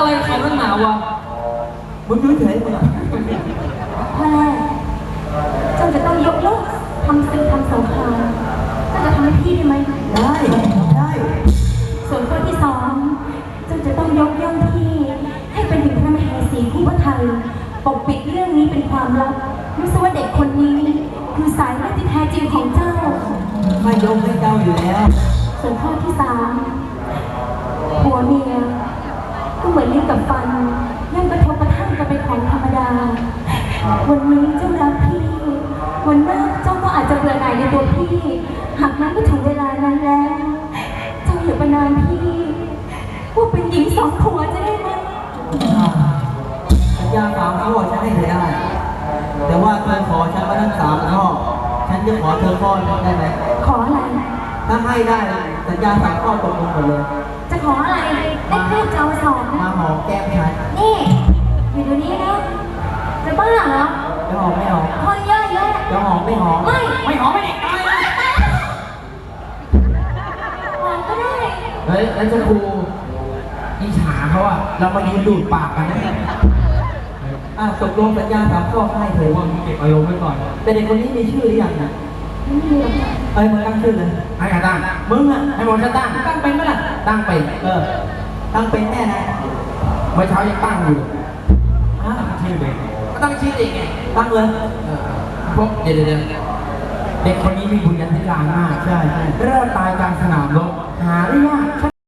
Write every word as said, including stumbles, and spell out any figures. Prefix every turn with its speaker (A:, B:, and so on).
A: อะไรเขาตั้งหนาวะมึงดูเฉยมึงอ่ะ
B: พ่อแม่เจ้าจะต้องยกเลิกทำศึกทำสงครามเจ้าจะทำให้พี่ได้ไหม
A: ได้ได้
B: ส่วนข้อที่สองเจ้าจะต้องยกย่องพี่ให้เป็นถึงพระมเหสีคู่พระไทยปกปิดเรื่องนี้เป็นความลับไม่ใช่ว่าเด็กคนนี้คือสายเลือดที่แท้จริงของเจ้า
A: ไม่ยกให้เจ้าอยู่แล้ว
B: ส่วนข้อที่สามผัวเมียก็เหมือนลิ้นกับฟันยังกระทบกระทั่งกันเป็นของธรรมดาวันนี้เจ้ารักพี่วันหน้าเจ้าก็อาจจะเบื่อหน่ายในตัวพี่หากนั้นก็ถึงเวลานั้นแล้วเจ้าอย่าประนามพี่ว่าเป็นหญิงสองผัวจะได้ไหม
A: สัญญาสามข้อฉันให้เธอได้แต่ว่าเธอขอฉันมาทั้งสามข้อฉันจะขอเธอข้อนึงได้ไหม
B: ขออะไร
A: ถ้าให้ได้สัญญาสามข้อตกลงหมดเลย
B: จะขออะไรได้เพื่อเจ้าสอน
A: มาหอมแก้มฉัน
B: นี่อยู่เดี๋ยวนี้นะจะบ้าเหรอ
A: จะหอมไม่หอม
B: คนเยอะแยะ
A: จะหอมไม่หอม
B: ไม่
A: ไม่หอมไม่เด็กตายเลย
B: หอมก็ได้
A: เฮ้ยแล้วจะครูอิจฉาเขาอะเรามายืนดูดปากกันนะอ่ะตกลงสัญญาสามข้อให้เธอว่ามึงเก็บอารมณ์ไว้ก่อนแต่เด็กคนนี้มีชื่อหรือยังนะ
B: ไม่มีหรอก
A: เอ้ยมึงตั้งชื่อเลย
C: ให้ใครตั้ง
A: มึงอะ
C: ให้หมดฉันตั้ง
A: ตั้งเป็นไหมล่ะ
C: ตั้งเป็น
A: เออตั้งเป็นแน่นะ
C: เมื่อเช้ายังตั้งอยู่
A: อ่ะ
C: ชื่อเด็กก็ตั้งชื่อเด็กไง
A: ตั้งเลย
C: พวกเดี๋ยวเดี๋ยวเด็กคนนี้มีบุญญาธิการมาก
A: ใช่ใช่
C: เริ่มตายกลางสนามรบหาได้ยากใช่